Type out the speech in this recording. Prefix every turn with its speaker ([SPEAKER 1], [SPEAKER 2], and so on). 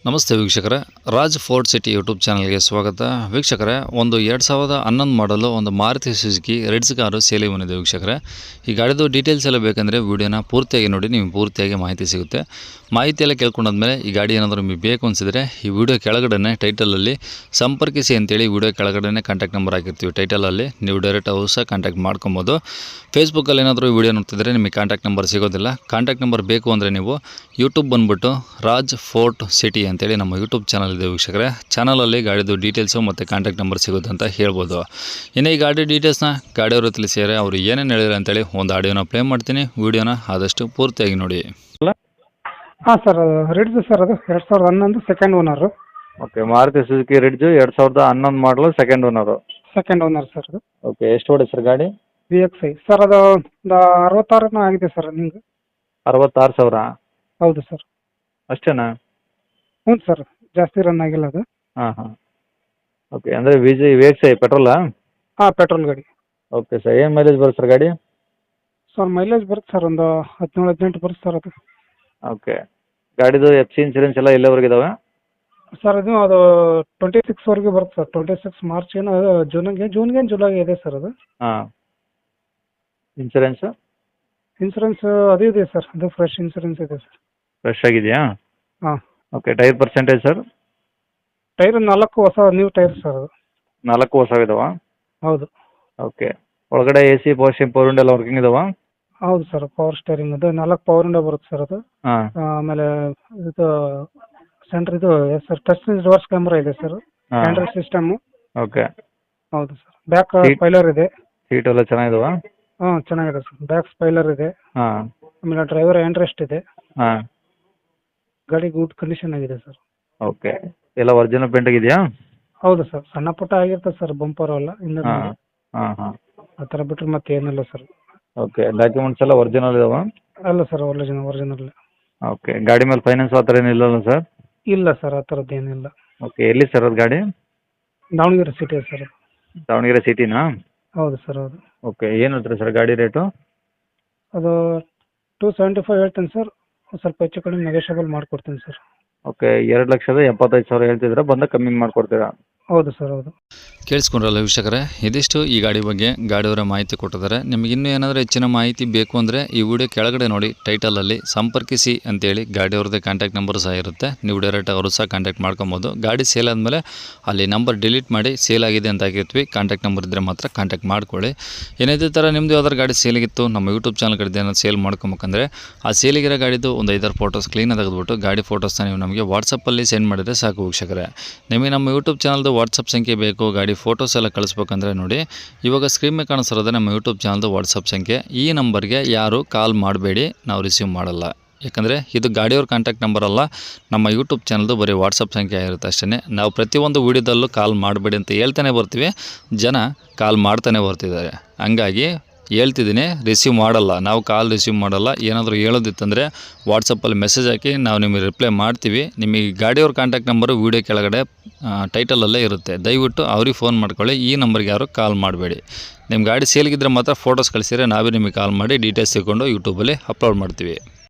[SPEAKER 1] ನಮಸ್ತೆ ವೀಕ್ಷಕರೇ, Raj fort city YouTube ಚಾನಲ್ಗೆ ಸ್ವಾಗತ. ವೀಕ್ಷಕರೇ, ಒಂದು 2011 ಮಾಡಲು ಒಂದು ಮಾರುತಿ ಸುಜುಕಿ ರೆಡ್ಸ್ ಕಾರು ಸೇಲಿಗೆ ಬಂದಿದೆ. ವೀಕ್ಷಕರೇ, ಈ ಗಾಡಿದು ಡೀಟೇಲ್ಸ್ ಎಲ್ಲ ಬೇಕಂದರೆ ವೀಡಿಯೋನ ಪೂರ್ತಿಯಾಗಿ ನೋಡಿ, ನಿಮಗೆ ಪೂರ್ತಿಯಾಗಿ ಮಾಹಿತಿ ಸಿಗುತ್ತೆ. ಮಾಹಿತಿ ಎಲ್ಲ ಕೇಳ್ಕೊಂಡಾದ್ಮೇಲೆ ಈ ಗಾಡಿ ಏನಾದರೂ ನಿಮಗೆ ಬೇಕು ಅನಿಸಿದರೆ ಈ ವಿಡಿಯೋ ಕೆಳಗಡೆ ಟೈಟಲಲ್ಲಿ ಸಂಪರ್ಕಿಸಿ ಅಂತೇಳಿ ವಿಡಿಯೋ ಕೆಳಗಡೆ ಕಾಂಟ್ಯಾಕ್ಟ್ ನಂಬರ್ ಹಾಕಿರ್ತೀವಿ. ಟೈಟಲಲ್ಲಿ ನೀವು ಡೈರೆಕ್ಟ್ ಅವರು ಸಹ ಕಾಂಟ್ಯಾಕ್ಟ್ ಮಾಡ್ಕೊಬೋದು. ಫೇಸ್ಬುಕ್ಕಲ್ಲಿ ಏನಾದರೂ ವಿಡಿಯೋ ನೋಡ್ತಿದ್ರೆ ನಿಮಗೆ ಕಾಂಟ್ಯಾಕ್ಟ್ ನಂಬರ್ ಸಿಗೋದಿಲ್ಲ. ಕಾಂಟ್ಯಾಕ್ಟ್ ನಂಬರ್ ಬೇಕು ಅಂದರೆ ನೀವು ಯೂಟ್ಯೂಬ್ ಬಂದುಬಿಟ್ಟು ರಾಜ್ ಫೋರ್ಟ್ ಸಿಟಿ ಅಂತೇಳಿ ನಮ್ಮ ಯೂಟ್ಯೂಬ್ ಚಾನಲ್ ಇದೆ ವೀಕ್ಷಕರೇ. ಚಾನಲಲ್ಲಿ ಗಾಡಿದು ಡೀಟೇಲ್ಸು ಮತ್ತು ಕಾಂಟ್ಯಾಕ್ಟ್ ನಂಬರ್ ಸಿಗುತ್ತೆ ಅಂತ ಹೇಳ್ಬೋದು. ಇನ್ನು ಈ ಗಾಡಿ ಡೀಟೇಲ್ಸ್ನ ಗಾಡಿಯವರು ತಿಳಿಸಿದರೆ ಅವರು ಏನೇನು ಹೇಳಿದ್ರು ಅಂತೇಳಿ ಒಂದು ಆಡಿಯೋನ ಪ್ಲೇ ಮಾಡ್ತೀನಿ. ವೀಡಿಯೋನ ಆದಷ್ಟು ಪೂರ್ತಿಯಾಗಿ ನೋಡಿ.
[SPEAKER 2] ಹಾಂ ಸರ್, ರಿಡ್ಜ್ ಸರ್, ಅದು 2011 second owner.
[SPEAKER 3] Okay, Maruti Suzuki Ritz 2011 model second owner.
[SPEAKER 2] Second owner sir ಅದು.
[SPEAKER 3] ಓಕೆ, ಎಷ್ಟು ಓಡಿ ಸರ್ ಗಾಡಿ?
[SPEAKER 2] VXI ಸರ್, ಅದು ಒಂದು 66 ಆಗಿದೆ ಸರ್ ನಿಮಗೆ.
[SPEAKER 3] 66,000
[SPEAKER 2] ಹೌದು ಸರ್.
[SPEAKER 3] ಅಷ್ಟೇನಾ?
[SPEAKER 2] ಹ್ಞೂ ಸರ್, ಜಾಸ್ತಿ ರನ್ ಆಗಿಲ್ಲ ಅದು.
[SPEAKER 3] ಹಾಂ. ಓಕೆ, ಅಂದರೆ VXI ಪೆಟ್ರೋಲಾ?
[SPEAKER 2] ಹಾಂ, ಪೆಟ್ರೋಲ್ ಗಾಡಿ.
[SPEAKER 3] ಓಕೆ ಸರ್, ಏನು ಮೈಲೇಜ್ ಬರುತ್ತೆ ಸರ್ ಗಾಡಿ?
[SPEAKER 2] ಸರ್ ಮೈಲೇಜ್ ಬರುತ್ತೆ ಸರ್, ಒಂದು 17-18 ಬರುತ್ತೆ ಸರ್ ಅದು.
[SPEAKER 3] ಓಕೆ, ಗಾಡಿದು FC ಇನ್ಸೂರೆನ್ಸ್ ಎಲ್ಲ ಎಲ್ಲವರೆಗೆ ಇದಾವೆ?
[SPEAKER 2] ಸರ್ ಅದು 26ವರೆಗೆ ಬರುತ್ತೆ ಸರ್. 26 ಮಾರ್ಚ್ ಏನೋ ಜೂನ್ಗೆ ಜುಲೈಗೆ ಇದೆ ಸರ್ ಅದು.
[SPEAKER 3] ಹಾಂ. ಇನ್ಸೂರೆನ್ಸು
[SPEAKER 2] ಅದು ಇದೆ ಸರ್, ಅದು ಫ್ರೆಶ್ ಇನ್ಸೂರೆನ್ಸ್ ಇದೆ ಸರ್.
[SPEAKER 3] ಫ್ರೆಶ್ ಆಗಿದೆಯಾ?
[SPEAKER 2] ಹಾಂ.
[SPEAKER 3] Okay, tyre percentage sir?
[SPEAKER 2] Tyre 4 ಹೊಸ ನ್ಯೂ ಟೈರ್ ಸರ್ ಅದು.
[SPEAKER 3] 4 ಹೊಸವಿದಾವಾ?
[SPEAKER 2] ಹೌದು.
[SPEAKER 3] ಓಕೆ, ಒಳಗಡೆ AC power steering power window ಎಲ್ಲ ವರ್ಕಿಂಗ್ ಇದಾವಾ?
[SPEAKER 2] ಹೌದು ಸರ್, ಪವರ್ ಸ್ಟೇರಿಂಗ್ ಅದು 4 ಪವರ್ ವಿಂಡೋ ಬರುತ್ತೆ ಸರ್ ಅದು.
[SPEAKER 3] ಹಾಂ.
[SPEAKER 2] ಆಮೇಲೆ ಇದು ಸೆಂಟ್ರ್ ಇದು ಸರ್ ಟಚ್ ರಿವರ್ಸ್ ಕ್ಯಾಮ್ರಾ ಇದೆ ಸರ್. Android system.
[SPEAKER 3] ಓಕೆ.
[SPEAKER 2] ಹೌದು ಸರ್. ಬ್ಯಾಕ್
[SPEAKER 3] Seat-
[SPEAKER 2] ಸ್ಪೈಲರ್ ಇದೆ.
[SPEAKER 3] ಸೀಟ್ ಎಲ್ಲ ಚೆನ್ನಾಗಿದಾವಾ?
[SPEAKER 2] ಹಾಂ, ಚೆನ್ನಾಗಿದೆ ಸರ್. ಬ್ಯಾಕ್ ಸ್ಪೈಲರ್ ಇದೆ.
[SPEAKER 3] ಹಾಂ.
[SPEAKER 2] ಆಮೇಲೆ ಡ್ರೈವರ್ ಹ್ಯಾಂಡ್ ರೆಸ್ಟ್ ಇದೆ.
[SPEAKER 3] ಹಾಂ.
[SPEAKER 2] ಗಾಡಿ ಗುಡ್ ಕಂಡೀಷನ್ ಆಗಿದೆ ಸರ್.
[SPEAKER 3] ಓಕೆ, ಎಲ್ಲ ಒರಿಜಿನಲ್ ಪೇಂಟ್ ಆಗಿದೆಯಾ?
[SPEAKER 2] ಹೌದು ಸರ್, ಸಣ್ಣ ಪುಟ್ಟ ಆಗಿರ್ತದೆ ಸರ್, ಬಂಪರ್ ಎಲ್ಲ ಹಿಂದೆ
[SPEAKER 3] ಹಾಂ ಹಾಂ.
[SPEAKER 2] ಆ ಥರ ಬಿಟ್ಟರೆ ಮತ್ತೆ ಏನಿಲ್ಲ ಸರ್.
[SPEAKER 3] ಓಕೆ, ಡಾಕ್ಯುಮೆಂಟ್ಸ್ ಎಲ್ಲ ಒರಿಜಿನಲ್ ಇದಾವಾ?
[SPEAKER 2] ಅಲ್ಲ ಸರ್, ಒರಿಜಿನಲ್.
[SPEAKER 3] ಓಕೆ, ಗಾಡಿ ಮೇಲೆ ಫೈನಾನ್ಸ್ ಆ ಥರ ಏನಿಲ್ಲಲ್ಲ ಸರ್?
[SPEAKER 2] ಇಲ್ಲ ಸರ್, ಆ ಥರದ್ದು ಏನಿಲ್ಲ.
[SPEAKER 3] ಓಕೆ, ಎಲ್ಲಿ ಸರ್ ಅದು ಗಾಡಿ?
[SPEAKER 2] Davanagere city sir.
[SPEAKER 3] ದಾವಣಗೆರೆ ಸಿಟಿನಾ?
[SPEAKER 2] ಹೌದು ಸರ್, ಹೌದು.
[SPEAKER 3] ಓಕೆ, ಏನು ಹೇಳ್ತೀರಾ ಸರ್ ಗಾಡಿ ರೇಟು?
[SPEAKER 2] ಅದು 275 ಹೇಳ್ತೀನಿ ಸರ್. ಸ್ವಲ್ಪ ಹೆಚ್ಚು ಕಡಿಮೆ ನೆಗೋಷಿಯಬಲ್ ಮಾಡಿಕೊಡ್ತೀನಿ ಸರ್.
[SPEAKER 3] ಓಕೆ, 2,75,000 ಹೇಳ್ತಿದ್ರೆ ಬಂದಾಗ ಕಮ್ಮಿ ಮಾಡಿಕೊಡ್ತೀರಾ?
[SPEAKER 2] ಹೌದು ಸರ್, ಹೌದು.
[SPEAKER 1] ಕೇಳಿಸ್ಕೊಂಡ್ರಲ್ಲ ವೀಕ್ಷಕರೇ, ಇದಿಷ್ಟು ಈ ಗಾಡಿ ಬಗ್ಗೆ ಗಾಡಿಯವರ ಮಾಹಿತಿ ಕೊಟ್ಟಿದ್ದಾರೆ. ನಿಮಗೆ ಇನ್ನೂ ಏನಾದರೂ ಹೆಚ್ಚಿನ ಮಾಹಿತಿ ಬೇಕು ಅಂದರೆ ಈ ವಿಡಿಯೋ ಕೆಳಗಡೆ ನೋಡಿ, ಟೈಟಲಲ್ಲಿ ಸಂಪರ್ಕಿಸಿ ಅಂತೇಳಿ ಗಾಡಿಯವ್ರದ್ದೇ ಕಾಂಟ್ಯಾಕ್ಟ್ ನಂಬರ್ ಸಹ ಇರುತ್ತೆ. ನೀವು ಡೈರೆಕ್ಟ್ ಅವರು ಸಹ ಕಾಂಟ್ಯಾಕ್ಟ್ ಮಾಡ್ಕೊಬೋದು. ಗಾಡಿ ಸೇಲ್ ಆದಮೇಲೆ ಅಲ್ಲಿ ನಂಬರ್ ಡಿಲೀಟ್ ಮಾಡಿ ಸೇಲ್ ಆಗಿದೆ ಅಂತ ಹಾಕಿರ್ತೀವಿ. ಕಾಂಟ್ಯಾಕ್ಟ್ ನಂಬರ್ ಇದ್ದರೆ ಮಾತ್ರ ಕಾಂಟ್ಯಾಕ್ಟ್ ಮಾಡ್ಕೊಳ್ಳಿ. ಏನಿದೆ ಥರ ನಿಮ್ಮದು ಯಾವ್ದಾರು ಗಾಡಿ ಸೇಲಿಗಿತ್ತು ನಮ್ಮ ಯೂಟ್ಯೂಬ್ ಚಾನಲ್ ಕಡೆ ಏನಾದ್ರು ಸೇಲ್ ಮಾಡ್ಕೊಬೇಕಂದ್ರೆ ಆ ಸೇಲಿಗಿರೋ ಗಾಡಿದು ಒಂದು 5-6 ಫೋಟೋಸ್ ಕ್ಲೀನಾಗಿ ತೆಗೆದುಬಿಟ್ಟು ಗಾಡಿ ಫೋಟೋಸ್ನ ನೀವು ನಮಗೆ ವಾಟ್ಸಪ್ಪಲ್ಲಿ ಸೆಂಡ್ ಮಾಡಿದರೆ ಸಾಕು ವೀಕ್ಷಕರೇ. ನಿಮಗೆ ನಮ್ಮ ಯೂಟ್ಯೂಬ್ ಚಾನಲ್ದು ವಾಟ್ಸಪ್ ಸಂಖ್ಯೆ ಬೇಕು, ಗಾಡಿ ಫೋಟೋಸ್ ಎಲ್ಲ ಕಳಿಸ್ಬೇಕಂದ್ರೆ ನೋಡಿ, ಇವಾಗ ಸ್ಕ್ರೀನ್ ಮೇಲೆ ಕಾಣಿಸ್ತಿರೋದೇ ನಮ್ಮ ಯೂಟ್ಯೂಬ್ ಚಾನಲ್ದು ವಾಟ್ಸಪ್ ಸಂಖ್ಯೆ. ಈ ನಂಬರ್ಗೆ ಯಾರು ಕಾಲ್ ಮಾಡಬೇಡಿ, ನಾವು ರಿಸೀವ್ ಮಾಡಲ್ಲ. ಯಾಕಂದರೆ ಇದು ಗಾಡಿಯವ್ರ ಕಾಂಟ್ಯಾಕ್ಟ್ ನಂಬರ್ ಅಲ್ಲ, ನಮ್ಮ ಯೂಟ್ಯೂಬ್ ಚಾನಲ್ದು ಬರೀ ವಾಟ್ಸಪ್ ಸಂಖ್ಯೆ ಆಗಿರುತ್ತೆ ಅಷ್ಟೇ. ನಾವು ಪ್ರತಿಯೊಂದು ವೀಡಿಯೋದಲ್ಲೂ ಕಾಲ್ ಮಾಡಬೇಡಿ ಅಂತ ಹೇಳ್ತಾನೆ ಬರ್ತೀವಿ, ಜನ ಕಾಲ್ ಮಾಡ್ತಾನೆ ಬರ್ತಿದ್ದಾರೆ. ಹಂಗಾಗಿ ಹೇಳ್ತಿದ್ದೀನಿ, ರಿಸೀವ್ ಮಾಡಲ್ಲ, ನಾವು ಕಾಲ್ ರಿಸೀವ್ ಮಾಡಲ್ಲ. ಏನಾದರೂ ಹೇಳೋದಿತ್ತಂದರೆ ವಾಟ್ಸಪ್ಪಲ್ಲಿ ಮೆಸೇಜ್ ಹಾಕಿ ನಾವು ನಿಮಗೆ ರಿಪ್ಲೈ ಮಾಡ್ತೀವಿ. ನಿಮಗೆ ಗಾಡಿಯವ್ರ ಕಾಂಟ್ಯಾಕ್ಟ್ ನಂಬರು ವೀಡಿಯೋ ಕೆಳಗಡೆ ಟೈಟಲಲ್ಲೇ ಇರುತ್ತೆ. ದಯವಿಟ್ಟು ಅವ್ರಿಗೆ ಫೋನ್ ಮಾಡ್ಕೊಳ್ಳಿ, ಈ ನಂಬರ್ಗೆ ಯಾರು ಕಾಲ್ ಮಾಡಬೇಡಿ. ನಿಮ್ಮ ಗಾಡಿ ಸೇಲ್ಗಿದ್ರೆ ಮಾತ್ರ ಫೋಟೋಸ್ ಕಳಿಸಿದ್ರೆ ನಾವೇ ನಿಮಗೆ ಕಾಲ್ ಮಾಡಿ ಡೀಟೇಲ್ಸ್ ತಿಳ್ಕೊಂಡು ಯೂಟ್ಯೂಬಲ್ಲಿ ಅಪ್ಲೋಡ್ ಮಾಡ್ತೀವಿ.